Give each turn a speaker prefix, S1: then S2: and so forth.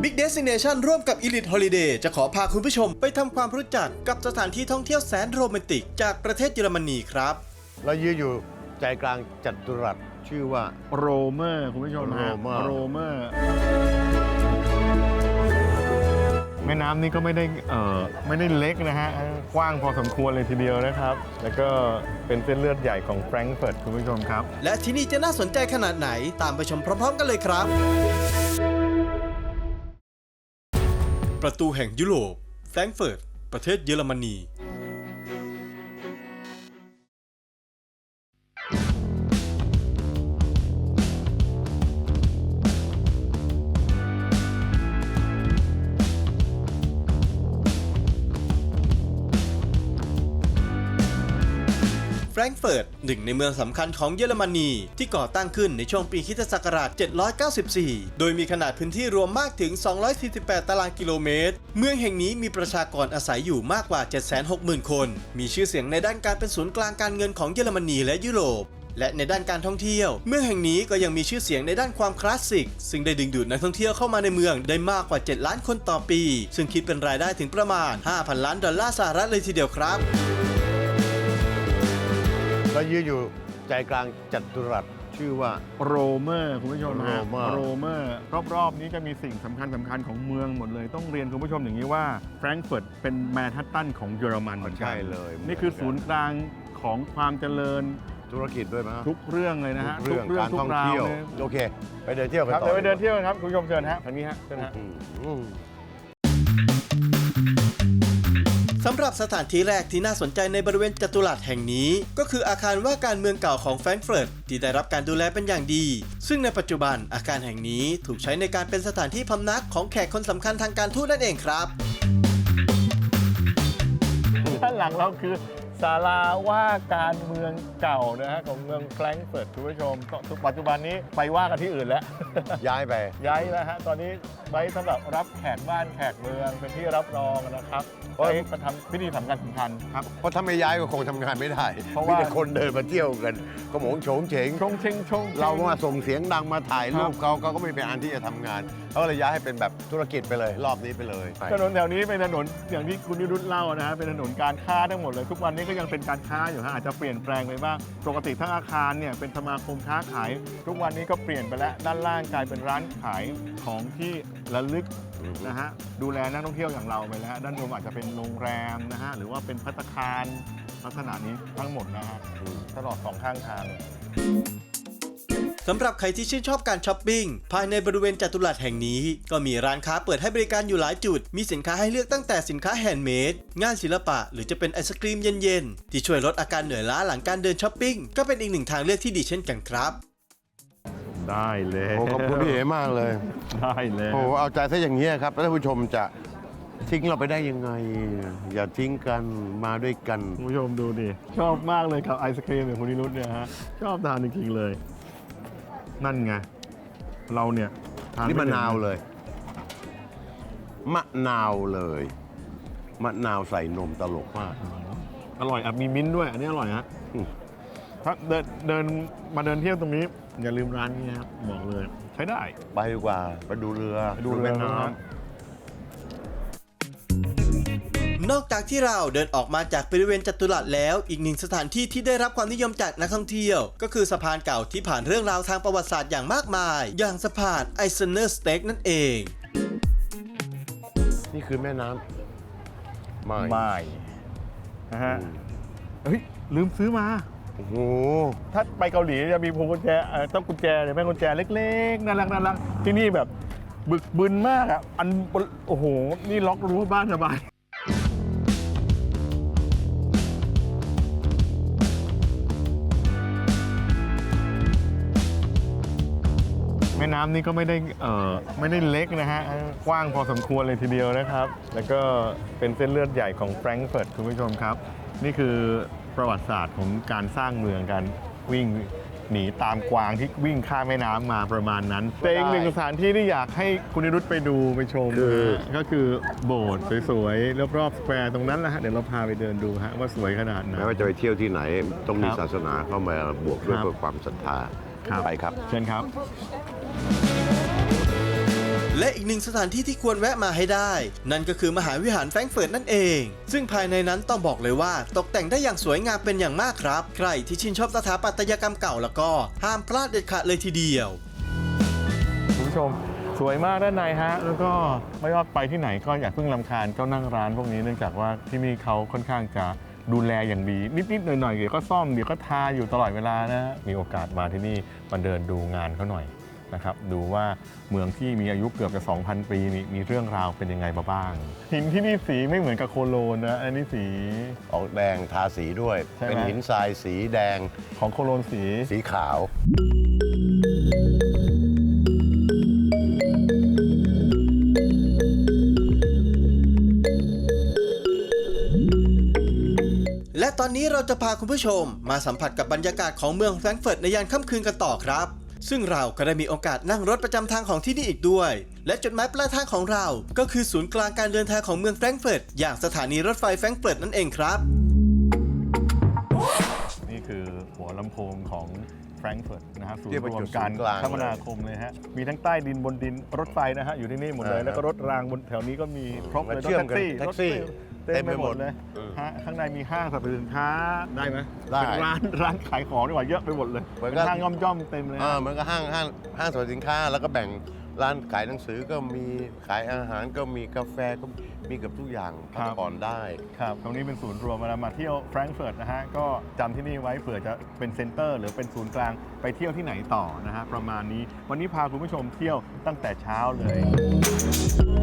S1: Big Destination ร่วมกับ Elite Holiday จะขอพาคุณผู้ชมไปทำความรู้จักกับสถานที่ท่องเที่ยวแสนโรแมนติกจากประเทศเยอรมนีครับ
S2: เรายืนอยู่ใจกลางจัตุรัสชื่อว่า
S3: โรเมอร์คุณผู้ชมฮะโรเมอร์แม่น้ำนี่ก็ไม่ได้เล็กนะฮะกว้างพอสมควรเลยทีเดียวนะครับแล้วก็เป็นเส้นเลือดใหญ่ของแฟรงก์เฟิร์ตคุณผู้ชมครับ
S1: และที่นี่จะน่าสนใจขนาดไหนตามไปชมพร้อมๆกันเลยครับประตูแห่งยุโรปแฟรงก์เฟิร์ตประเทศเยอรมนีแฟรงก์เฟิร์ตหนึ่งในเมืองสำคัญของเยอรมนีที่ก่อตั้งขึ้นในช่วงปีค.ศ. 794 โดยมีขนาดพื้นที่รวมมากถึง 248 ตารางกิโลเมตรเมืองแห่งนี้มีประชากรอาศัยอยู่มากกว่า 760,000 คนมีชื่อเสียงในด้านการเป็นศูนย์กลางการเงินของเยอรมนีและยุโรปและในด้านการท่องเที่ยวเมืองแห่งนี้ก็ยังมีชื่อเสียงในด้านความคลาสสิกซึ่งได้ดึงดูดนักท่องเที่ยวเข้ามาในเมืองได้มากกว่า 7 ล้านคนต่อปีซึ่งคิดเป็นรายได้ถึงประมาณ 5,000 ล้านดอลลาร์สหรัฐเลยทีเดียวครับ
S2: เรายืนอยู่ใจกลางจัตุรัสชื่อว่า
S3: โรเมอร์คุณผู้ชมฮะโรเมอร์รอบๆนี้จะมีสิ่งสำคัญของเมืองหมดเลยต้องเรียนคุณผู้ชมอย่างนี้ว่าแฟรงก์เฟิร์ตเป็นแมนฮัตตันของเยอรมันเหมือนกัน
S2: ใช่เลย
S3: นี่คือศูนย์กลางของความเจริญ
S2: ธุรกิจด้วยไหม
S3: ทุกเรื่องเลยนะฮะ
S2: ทุกเรื่องการท่องเที่ยวโอเคไปเดินเที่ยวกันต่อ
S3: ไปเดินเที่ยวครับคุณผู้ชมเชิญฮะทางนี้ฮะเชิญฮะ
S1: สำหรับสถานที่แรกที่น่าสนใจในบริเวณจัตุรัสแห่งนี้ก็คืออาคารว่าการเมืองเก่าของแฟรงก์เฟิร์ตที่ได้รับการดูแลเป็นอย่างดีซึ่งในปัจจุบันอาคารแห่งนี้ถูกใช้ในการเป็นสถานที่พำนักของแขกคนสำคัญทางการทูตนั่นเองครับ
S3: ด้านหลังเราคือศาลาว่าการเมืองเก่านะฮะของเมืองแฟรงก์เฟิร์ตคุณผู้ชมปัจจุบันนี้ไปว่ากันที่อื่นแล้ว
S2: ย้าย
S3: แล้วฮะตอนนี้ไว้สำหรับรับแขกบ้านแขกเมืองเป็นที่รับรองนะครับไว้ประทำพิธีสำคัญครับ
S2: เพราะถ้าไม่ย้ายก็คงทำงานไม่ได้เพราะว่าคนเดินมาเที่ยวกันก็หมงโฉงเฉงเรามาส่งเสียงดังมาถ่ายรูปเขาก็ไม่เป็นอันที่จะทำงานเขาเลยย้ายให้เป็นแบบธุรกิจไปเลยรอบนี้ไปเลย
S3: ถนนแถวนี้เป็นถนนอย่างที่คุณนิรุตเล่านะฮะเป็นถนนการค้าทั้งหมดเลยทุกวันนี้ก็ยังเป็นการค้าอยู่ฮะอาจจะเปลี่ยนแปลงไปบ้างปกติทั้งอาคารเนี่ยเป็นสมาคมค้าขายทุกวันนี้ก็เปลี่ยนไปแล้วด้านล่างกลายเป็นร้านขายของที่ระลึกนะฮะดูแลนักท่องเที่ยวอย่างเราไปแล้วด้านบนอาจจะเป็นโรงแรมนะฮะหรือว่าเป็นภัตตาคารลักษณะนี้ทั้งหมดนะฮะตลอด2ข้างทาง
S1: สำหรับใครที่ชื่นชอบการช้อปปิ้งภายในบริเวณจัตุรัสแห่งนี้ก็มีร้านค้าเปิดให้บริการอยู่หลายจุดมีสินค้าให้เลือกตั้งแต่สินค้าแฮนด์เมดงานศิลปะหรือจะเป็นไอศกรีมเย็นๆที่ช่วยลดอาการเหนื่อยล้าหลังการเดินช้อปปิ้งก็เป็นอีกหนึ่งทางเลือกที่ดีเช่นกันครับ
S3: ได้เลย
S2: ขอบคุณพี่เอ๋มากเลย
S3: ได้เลย
S2: โอ้เอาใจซะอย่างนี้ครับท่านผู้ชมจะทิ้งเราไปได้ยังไงอย่าทิ้งกันมาด้วยกัน
S3: คุณผู้ชมดูดิชอบมากเลยกับไอศกรีมของคุณนิรุตเนี่ยฮะชอบทานจริงๆเลยนั่นไงเราเนี่ย
S2: นี่มะนาวเลยมะนาวใส่นมตลกมาก
S3: อร่อยมีมิ้นท์ด้วยอันนี้อร่อยฮะถ้าเดินมาเดินเที่ยวตรงนี้อย่าลืมร้านนี้ครับบอกเลยใช้ได้
S2: ไปดีกว่าไปดูเรือ
S3: แม่น้ำ
S1: นอกจากที่เราเดินออกมาจากบริเวณจัตุรัสแล้วอีกหนึ่งสถานที่ที่ได้รับความนิยมจากนักท่องเที่ยวก็คือสะพานเก่าที่ผ่านเรื่องราวทางประวัติศาสตร์อย่างมากมายอย่างสะพานไอเซเนอร์สเต็กนั่นเอง
S2: นี่คือแม่น้ำ
S3: ไม่นะฮะเฮ้ยลืมซื้อมา
S2: โอ้โห
S3: ถ้าไปเกาหลีจะมีพวงกุญแจต้องกุญแจหรือแม่กุญแจเล็กๆน่ารักที่นี่แบบบึกบึนมากอ่ะโอ้โหนี่ล็อกรู้บ้านสบายแม่น้ำนี่ก็ไม่ได้เล็กนะฮะกว้างพอสมควรเลยทีเดียวนะครับแล้วก็เป็นเส้นเลือดใหญ่ของแฟรงก์เฟิร์ตคุณผู้ชมครับนี่คือประวัติศาสตร์ของการสร้างเมืองกันวิ่งหนีตามกวางที่วิ่งข้ามแม่น้ำมาประมาณนั้นแต่อีกหนึ่งสถานที่ที่อยากให้คุณนิรุตไปดูไปชมก็คือโบสถ์สวยๆรอบๆสแควร์ตรงนั้นแหละฮะเดี๋ยวเราพาไปเดินดูฮะว่าสวยขนาดไหน
S2: ไม่ว่าจะไปเที่ยวที่ไหนต้องมีศาสนาเข้ามาบวกด้วยเพื่อความศรัทธาไปครับ
S3: เชิญครับ
S1: และอีกหนึ่งสถานที่ที่ควรแวะมาให้ได้ นั่นก็คือมหาวิหารแฟรงก์เฟิร์ตนั่นเองซึ่งภายในนั้นต้องบอกเลยว่าตกแต่งได้อย่างสวยงามเป็นอย่างมากครับใครที่ชื่นชอบสถาปัตยกรรมเก่าแล้วก็ห้ามพลาดเด็ดขาดเลยทีเดียว
S3: คุณผู้ชมสวยมากด้านในฮะแล้วก็ไม่ว่าไปที่ไหนก็อย่าเพิ่งรำคาญเจ้านั่งร้านพวกนี้เนื่องจากว่าที่นี่เขาค่อนข้างจะดูแลอย่างดีนิดๆหน่อยๆเดี๋ยวก็ซ่อมเดี๋ยวก็ทาอยู่ตลอดเวลานะมีโอกาสมาที่นี่มาเดินดูงานเขาหน่อยนะครับดูว่าเมืองที่มีอายุเกือบจะ 2,000 ปีมีเรื่องราวเป็นยังไงมาบ้างหินที่นี่สีไม่เหมือนกับโคโลนนะอันนี้สี
S2: ออกแดงทาสีด้วย
S3: ใช่ไหม
S2: เป็นหินทรายสีแดง
S3: ของโคโลนสี
S2: ขาว
S1: และตอนนี้เราจะพาคุณผู้ชมมาสัมผัสกับบรรยากาศของเมืองแฟรงก์เฟิร์ตในยามค่ำคืนกันต่อครับซึ่งเราก็ได้มีโอกาสนั่งรถประจำทางของที่นี่อีกด้วยและจุดหมายปลายทางของเราก็คือศูนย์กลางการเดินทางของเมืองแฟรงก์เฟิร์ตอย่างสถานีรถไฟแฟรงก์เฟิร์ตนั่นเองครับ
S3: นี่คือหัวลำโพงของแฟรงก์เฟิร์ตนะฮะศูน
S2: เรีย
S3: ย์
S2: กว่าร
S3: วม
S2: จุด
S3: การ
S2: ศูนย์กลาง
S3: คมนาคมเลยฮะมีทั้งใต้ดินบนดินรถไฟนะฮะอยู่ที่นี่หมดเลยแล้วก็รถรางบนแถวนี้ก็มีครบเลย
S2: เชื่อมกัน
S3: แท็กซี่เต็มไปหมดเลยฮะข้างในมีห้างสรรพสินค้าได้ไหม
S2: ได้
S3: เป็นร้านขายของดีกว่าเยอะไปหมดเลย
S2: เหมือน
S3: เป็น
S2: กับ
S3: ห้างย่อมๆเต็มเลยฮะ
S2: เหมือนกับห้างสรรพสินค้าแล้วก็แบ่งร้านขายหนังสือก็มีขายอาหารก็มีกาแฟก็มีกับทุกอย่างพักผ่อนได้
S3: ครับตรงนี้เป็นศูนย์รวมเวลามาเที่ยวแฟรงก์เฟิร์ตนะฮะก็จำที่นี่ไว้เผื่อจะเป็นเซ็นเตอร์หรือเป็นศูนย์กลางไปเที่ยวที่ไหนต่อนะฮะประมาณนี้วันนี้พาคุณผู้ชมเที่ยวตั้งแต่เช้าเลย